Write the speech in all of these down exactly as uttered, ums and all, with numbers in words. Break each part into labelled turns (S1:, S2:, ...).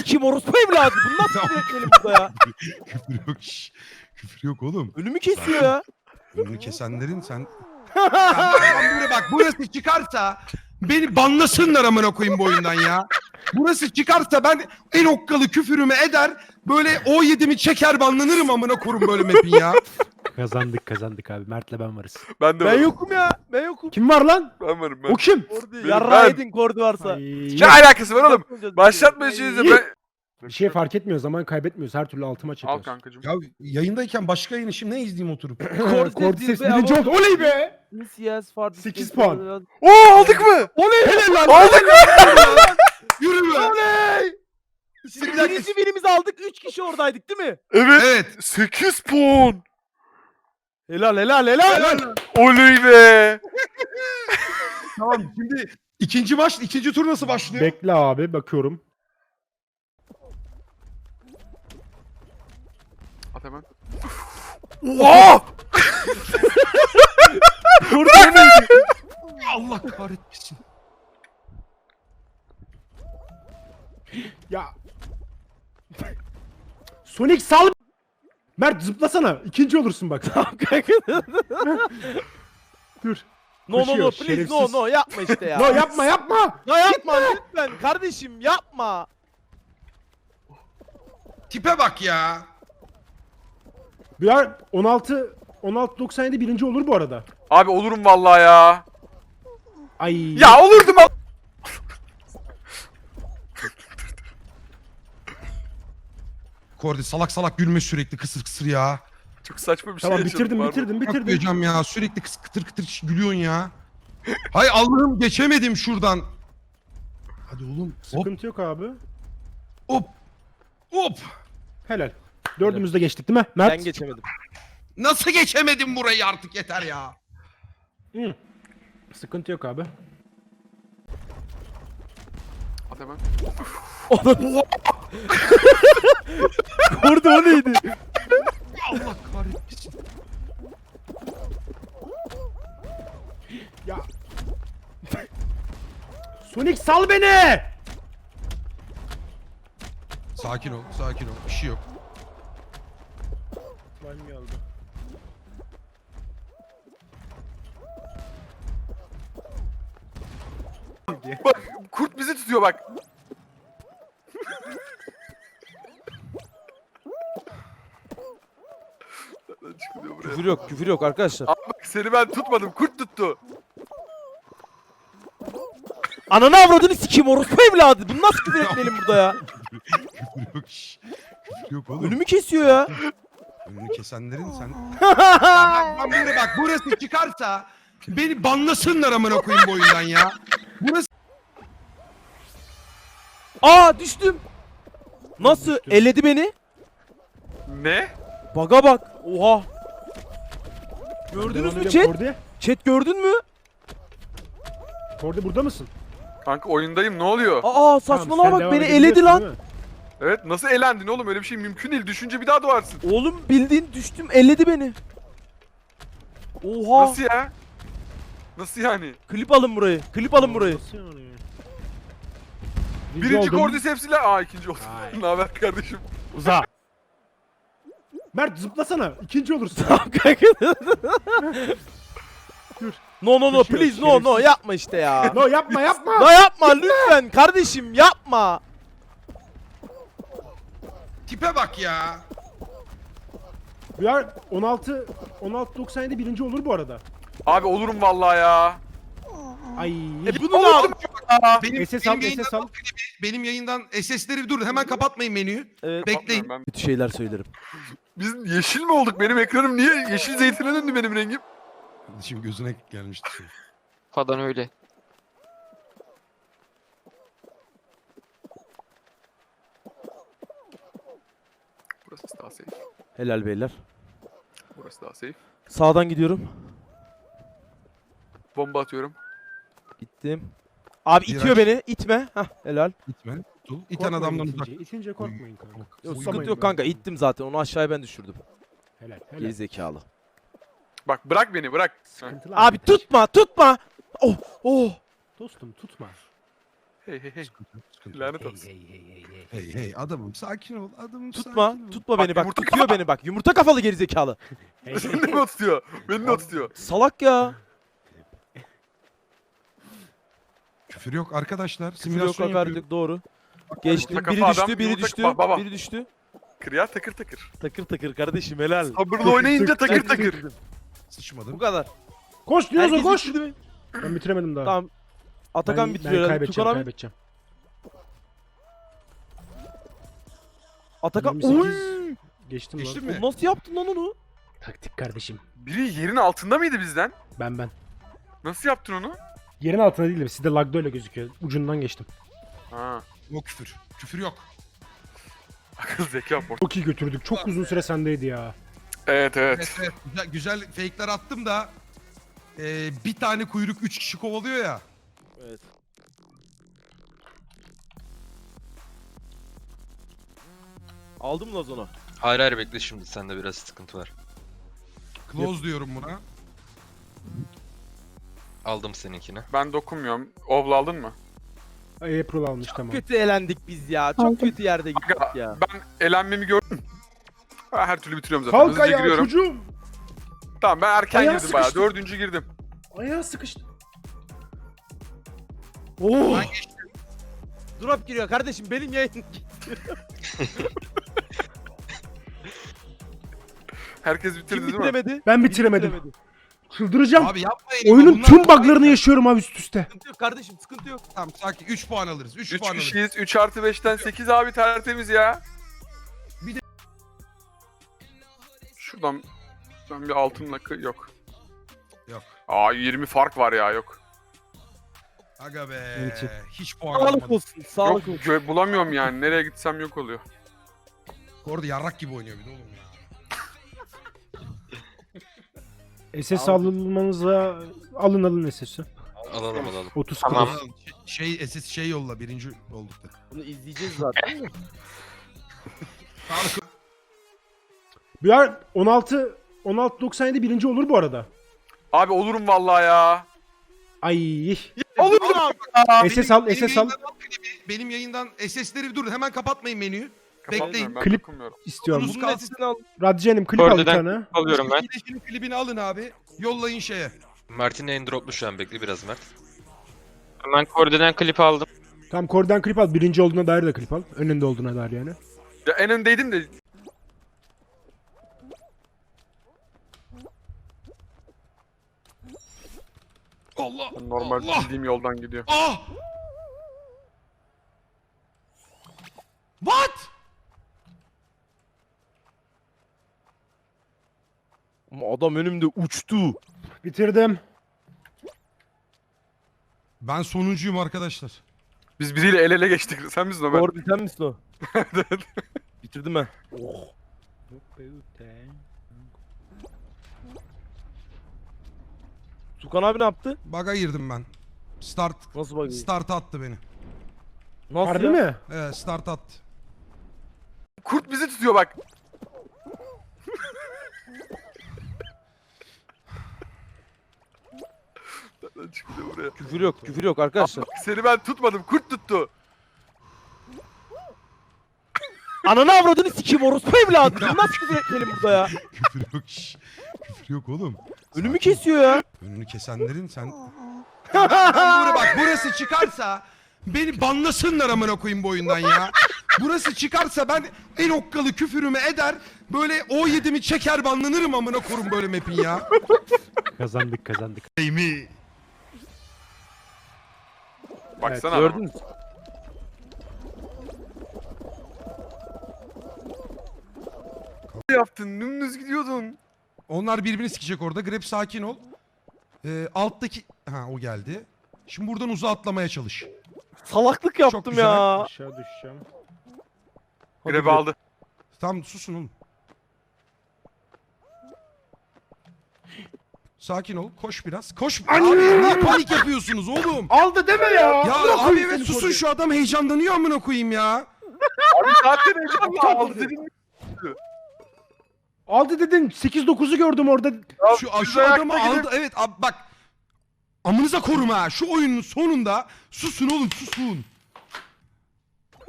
S1: sikeyim orospu evladı. Bu nasıl bir etmelim burada ya?
S2: Küfür yok. Şş. Küfür yok oğlum.
S1: Ölümü kesiyor ya.
S2: Önünü kesenlerin sen... Ya bak, bak, bak burası çıkarsa beni banlasınlar amına koyayım bu oyundan ya. Burası çıkarsa ben en okkalı küfürümü eder böyle o yedimi çeker banlanırım amına korum böyle map'in ya.
S3: Kazandık kazandık abi. Mert'le ben varız.
S4: Ben de
S1: Ben
S4: varım.
S1: yokum ya. Ben yokum.
S3: Kim var lan?
S4: Ben varım ben.
S3: O kim?
S1: Kordi.
S4: Benim
S1: Yarra
S4: ben.
S1: edin kordi varsa.
S3: Ay,
S4: Ne alakası var oğlum?
S1: Yapmayacağız.
S4: Başlatma işinizi ben.
S3: bir şey fark etmiyor. Zaman kaybetmiyoruz. Her türlü altıma
S4: Al
S3: çekiyoruz.
S4: kankacığım.
S2: Ya yayındayken başka yayını şimdi ne izleyeyim oturup?
S3: Cordyceps birinci oldu. Oley be!
S1: sekiz
S3: puan.
S4: Oo aldık mı?
S3: Oley! Helal lan!
S4: Aldık mı?
S2: Yürü be.
S1: Oley! Şimdi
S2: Bir dakika.
S1: birinci birimizi aldık. Üç kişi oradaydık değil mi?
S4: Evet.
S2: Evet.
S4: sekiz puan.
S1: Helal helal helal.
S4: Oley be.
S2: Tamam şimdi ikinci maç, ikinci tur nasıl başlıyor?
S3: Bekle abi bakıyorum.
S4: At hemen. Oha!
S2: Allah kahretmesin.
S3: Ya. Sonic sal. Mert zıplasana. İkinci olursun bak. Dur.
S1: No no no
S3: Koşuyor,
S1: please
S3: şerefsiz.
S1: no no yapma işte ya.
S3: No yapma yapma.
S1: No yapma lütfen kardeşim yapma.
S2: Tipe bak ya.
S3: Ya on altı on altı doksan yedi birinci olur bu arada.
S4: Abi olurum vallahi ya.
S3: Ay.
S4: Ya olurdum al.
S2: Kordi salak salak gülme sürekli kısır kısır ya.
S4: Çok saçma bir şey
S3: Tamam
S4: yaşadım,
S3: bitirdim
S4: pardon.
S3: bitirdim bitirdim.
S2: Yapmayacağım ya sürekli kıs kıtır kıtır gülüyorsun ya. Hay Allah'ım geçemedim şuradan. Hadi oğlum. Hop
S3: Sıkıntı yok abi.
S2: hop hop.
S3: Helal. Dördümüz de geçtik değil mi? Mert.
S1: Ben geçemedim.
S2: Nasıl geçemedim burayı artık yeter ya.
S3: Hı. Sıkıntı yok abi.
S4: At hemen.
S1: Kordi o neydi?
S2: Allah kahretmesin.
S3: Ya. Sonic sal beni.
S2: Sakin ol sakin ol bir şey yok.
S1: Slime geldi.
S4: Bak kurt bizi tutuyor bak. Nereden çıkılıyor buraya?
S1: Küfür yok küfür yok arkadaşlar.
S4: Abi bak seni ben tutmadım kurt tuttu.
S1: Ananı avradını sikeyim orospu evladı. Bunu nasıl küfür etmeyelim burada ya?
S2: Küfür yok şş. Küfür yok oğlum.
S1: Ölümü kesiyor ya.
S2: Önünü kesenlerin sen... Ya bak, bak, buraya bak burası çıkarsa beni banlasınlar amına koyayım bu oyundan ya. Burası...
S1: Aa düştüm. Nasıl?
S3: Düştüm.
S1: Eledi beni.
S4: Ne?
S1: Baga bak. Oha. Gördünüz
S3: Devam
S1: mü
S3: edelim,
S1: chat?
S3: Kordi.
S1: Chat gördün mü?
S3: Kordi burada mısın?
S4: Kanka oyundayım ne oluyor?
S1: Aa saçmalama bak beni eledi lan.
S4: Evet nasıl elendin oğlum öyle bir şey mümkün değil. Düşünce bir daha doğarsın.
S1: Oğlum bildiğin düştüm elledi beni. Oha.
S4: Nasıl ya? Nasıl yani?
S1: Klip alın burayı. Klip alın burayı.
S4: Birinci Cordyceps ile aa ikinci oldum.
S3: Ay.
S4: Ne haber kardeşim?
S3: Uza. Mert zıplasana. İkinci olursun.
S1: Tamam kanka. No no no
S3: Düşüyor,
S1: please no no
S3: şerefsiz.
S1: yapma işte ya.
S3: No yapma yapma.
S1: No yapma lütfen kardeşim yapma.
S2: Tipe bak ya.
S3: Ya on altı on altı doksan yedi birinci olur bu arada.
S4: Abi olurum vallahi ya.
S3: Ay.
S1: E bunu ne yaptın?
S2: Benim,
S3: S S
S2: benim
S3: al,
S2: yayından,
S3: S S al.
S2: benim yayından S S'leri dur hemen kapatmayın menüyü.
S1: Evet.
S2: Bekleyin.
S4: Ben,
S1: Kötü şeyler söylerim.
S4: biz yeşil mi olduk? Benim ekranım niye yeşil zeytine döndü benim rengim?
S2: Şimdi gözüne gelmişti. Şimdi.
S5: Falan öyle.
S4: Burası daha safe.
S1: Helal beyler.
S4: Burası daha safe.
S1: Sağdan gidiyorum.
S4: Bomba atıyorum.
S1: Gittim. Abi
S2: Viraj.
S1: itiyor beni. İtme. Hah helal.
S2: Gitme. Dur. İten
S3: Korkmayın
S2: adamdan
S3: itince.
S2: uzak.
S3: İtince korkmayın kanka.
S1: Yok
S3: Uyumayın
S1: sıkıntı yok
S3: ben.
S1: kanka. İttim zaten. Onu aşağıya ben düşürdüm.
S3: Helal helal.
S1: Geri zekalı.
S4: Bak bırak beni bırak. Heh.
S3: Sıkıntılı
S1: Abi
S3: arkadaş.
S1: tutma tutma. Oh oh.
S3: Dostum tutma.
S4: Hey hey hey.
S2: Sıkıntı yok, sıkıntı yok.
S4: Lanet olsun.
S2: Hey hey adamım sakin ol adamım
S1: Tutma.
S2: sakin ol.
S1: Tutma
S4: Bak,
S1: beni bak.
S4: yumurta
S1: Tutuyor
S4: kafa.
S1: beni bak. Yumurta kafalı gerizekalı.
S4: Seni de mi o tutuyor? Beni de o tutuyor.
S1: Salak ya.
S2: Küfür yok arkadaşlar.
S1: Küfür yok
S2: Simülasyon
S1: hakaret
S2: yapıyor.
S1: yok doğru. Geçtim.
S4: Yumurta
S1: Biri
S4: kafa
S1: düştü,
S4: adam,
S1: biri
S4: yumurta
S1: düştü.
S4: kafa- baba.
S1: Biri düştü.
S4: Kırıya takır takır.
S1: Takır takır kardeşim helal.
S4: Sabırlı oynayınca takır takır.
S1: Bu
S2: Sıçmadım.
S1: kadar.
S3: Koş Dinozo
S1: Herkes
S3: koş.
S1: bitirdi mi?
S3: Ben bitiremedim daha.
S1: Tamam. Atakan
S3: ben,
S1: bitiriyor
S3: ben
S1: herhalde.
S3: kaybedeceğim,
S1: Tukan abi.
S3: kaybedeceğim.
S1: Atakan.
S3: yirmi sekiz.
S1: Oy!
S3: Geçtim,
S2: Geçtim
S3: lan.
S2: mi?
S1: Nasıl yaptın lan onu?
S3: Taktik kardeşim.
S4: Biri yerin altında mıydı bizden?
S3: Ben ben.
S4: Nasıl yaptın onu?
S3: Yerin altında değil de sizde lagda öyle gözüküyor. Ucundan geçtim.
S4: Ha.
S2: O küfür. Küfür yok.
S4: Akıl zeka port.
S3: Çok iyi götürdük. Çok uzun süre sendeydi ya.
S4: Evet evet.
S2: Evet, evet. Güzel, güzel fake'ler attım da e, bir tane kuyruk üç kişi kovalıyor ya.
S1: Evet. Aldım mı Lazon'u?
S5: Hayır hayır bekle şimdi sende biraz sıkıntı var.
S2: Close diyorum buna.
S5: Aldım seninkini.
S4: Ben dokunmuyorum. Ovla aldın mı?
S3: April almış tamam.
S1: Kötü elendik biz ya. Çok kötü yerde gittik
S4: Aga,
S1: ya.
S4: ben elenmemi gördüm. Ha, her türlü bitiriyorum zaten.
S3: Kalk
S4: Hızlıca
S3: ayağa
S4: giriyorum.
S3: çocuğum.
S4: Tamam ben erken
S3: Ayağı
S4: girdim bayağı.
S3: sıkıştı.
S4: Dördüncü girdim.
S3: Ayağı sıkıştı.
S1: Oh!
S2: Ben geçtim.
S1: Drop giriyor kardeşim benim yayın.
S4: Herkes bitirdi
S1: Kim
S4: değil mi?
S1: bitiremedi?
S3: Ben
S1: Kim
S3: bitiremedim.
S1: bitiremedi?
S3: Çıldıracağım.
S2: Abi yapmayın. ya,
S3: Oyunun
S2: bunlar
S3: tüm
S2: kolay
S3: buglarını
S2: ya.
S3: yaşıyorum abi üst üste.
S1: Sıkıntı yok kardeşim sıkıntı yok.
S2: Tamam sakin. üç puan alırız. üç
S4: üç
S2: puan alırız.
S4: kişiyiz. üç artı beşten sekiz abi tertemiz ya.
S2: Bir de-
S4: Şuradan ben bir altınla kı- yok.
S2: Yok.
S4: Aa yirmi fark var ya yok.
S2: Aga be.
S3: Evet.
S2: Hiç puan
S1: Sağlık
S2: alamadım.
S1: olsun sağlık
S4: Yok
S1: olsun.
S4: gö- bulamıyorum yani. Nereye gitsem yok oluyor.
S2: Orada yarrak gibi oynuyor bir de oğlum ya.
S3: S S alınmanıza alın alın S S'i.
S5: Alalım alalım.
S3: otuz
S5: Tamam.
S3: kılıç.
S2: Şey S S şey yolla birinci olduk da.
S1: Bunu izleyeceğiz zaten.
S2: Sağlık.
S3: Bir ar on altı on altı doksan yedi birinci olur bu arada.
S4: Abi olurum vallahi ya.
S3: Ay.
S4: Olurum.
S3: S S al,
S2: Benim
S3: S S al.
S2: yayından al klibi, Benim yayından S S'leri dur hemen kapatmayın menüyü. Bekleyin.
S4: Ben
S3: Klip-
S4: dokunmuyorum.
S3: İstiyorum.
S2: Uzun
S1: Bunun sesini al.
S3: Radyenim klip al bir
S5: Oradadan-
S3: tane.
S5: Alıyorum ben.
S2: İyileşinin klibini alın abi. Yollayın şeye.
S5: Mert'in en droplu şu an bekle biraz Mert.
S6: Hemen koordinen klip aldım.
S3: Tamam kordan klip al. Birinci olduğuna dair de klip al. Önünde olduğuna dair yani.
S4: Ya en öndeydim de
S2: Allah.
S4: normal
S2: Allah.
S4: bildiğim yoldan gidiyor.
S2: Ah! What?
S1: Ama adam önümde uçtu.
S3: Bitirdim.
S2: Ben sonuncuyum arkadaşlar.
S4: Biz biriyle el ele geçtik. Sen misin Ömer?
S1: Doğru biten misin o? Bitirdim ben. Tukan abi ne yaptı?
S2: Baga girdim ben. Start
S1: Nasıl bakayım?
S2: start attı beni.
S1: Nasıl
S3: Harbi
S1: ya?
S3: mi?
S2: Evet start attı.
S4: Kurt bizi tutuyor bak. Nereden çıktı buraya?
S1: Küfür yok, küfür yok arkadaşlar.
S4: Seni ben tutmadım. Kurt tuttu.
S1: Ananı avradını sikeyim orospu evladı. Bu nasıl küfür etmeyelim burada ya?
S2: Küfür yok şş. Küfür yok oğlum.
S1: Önümü kesiyor ya.
S2: Önünü kesenlerin sen... Ya ben, ben buraya bak burası çıkarsa beni banlasınlar amına koyayım bu oyundan ya. Burası çıkarsa ben en okkalı küfürümü eder böyle O yedimi çeker banlanırım amına korum böyle map'in ya.
S3: Kazandık kazandık.
S2: Ey mi?
S4: Baksana.
S1: Gördün mü?
S4: Ne yaptın? Dümdüz gidiyordun.
S2: Onlar birbirini sikecek orada. Grab sakin ol. Ee, alttaki... Ha o geldi. Şimdi buradan uzağa atlamaya çalış.
S1: Salaklık yaptım
S2: güzel.
S1: ya.
S3: Aşağı düşeceğim.
S1: Hadi
S4: Grab
S1: be.
S4: aldı.
S2: Tamam susun oğlum. Sakin ol. Koş biraz. Koş. Abi niye panik yapıyorsunuz oğlum?
S3: Aldı deme ya.
S2: Ya abi evet susun şu adam heyecanlanıyor amına koyayım ya.
S4: Abi zaten heyecanla aldı dedim.
S3: Aldı dedin. sekiz dokuzu gördüm orada.
S2: Şu,
S4: düz
S2: şu adamı
S4: ayakta
S2: aldı.
S4: gidip-
S2: Evet abi bak. Amınıza korum ha. Şu oyunun sonunda susun oğlum susun.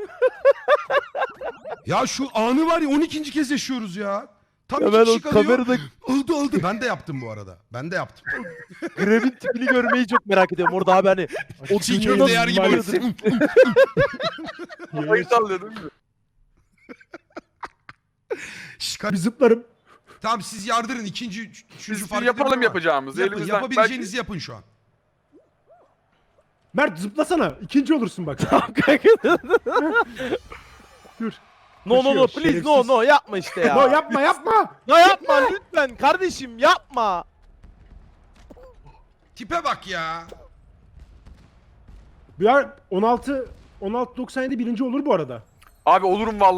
S2: Ya şu anı var ya on ikinci kez yaşıyoruz ya. Tam
S1: Ya
S2: iki
S1: ben o
S2: kişi kalıyor.
S1: kamerada
S2: Oldu oldu. Ben de yaptım bu arada. Ben de yaptım.
S1: Grev'in tipini görmeyi çok merak ediyorum orada abi hani. O
S2: Çiğ
S1: dünyada
S2: köfte yer gibi
S1: maalesef-
S2: oluyorsun.
S4: Kafayı sallıyor değil mi?
S2: Şş,
S3: Bir zıplarım.
S2: Tamam siz yardırın. İkinci, üç- üçüncü
S4: Biz
S2: fark
S4: yapalım
S2: edelim ama
S4: yapacağımızı.
S2: Yapın,
S4: Elimizden
S2: yapabileceğinizi yapın şu an.
S3: Mert zıplasana. İkinci olursun bak. Dur.
S1: No no no
S3: Koşuyor,
S1: please no
S3: şerefsiz.
S1: no yapma işte ya.
S3: No yapma yapma.
S1: Ya yapma lütfen kardeşim yapma.
S2: Tipe bak ya.
S3: Bir an on altı on altı doksan yedi birinci olur bu arada.
S4: Abi olurum vallahi.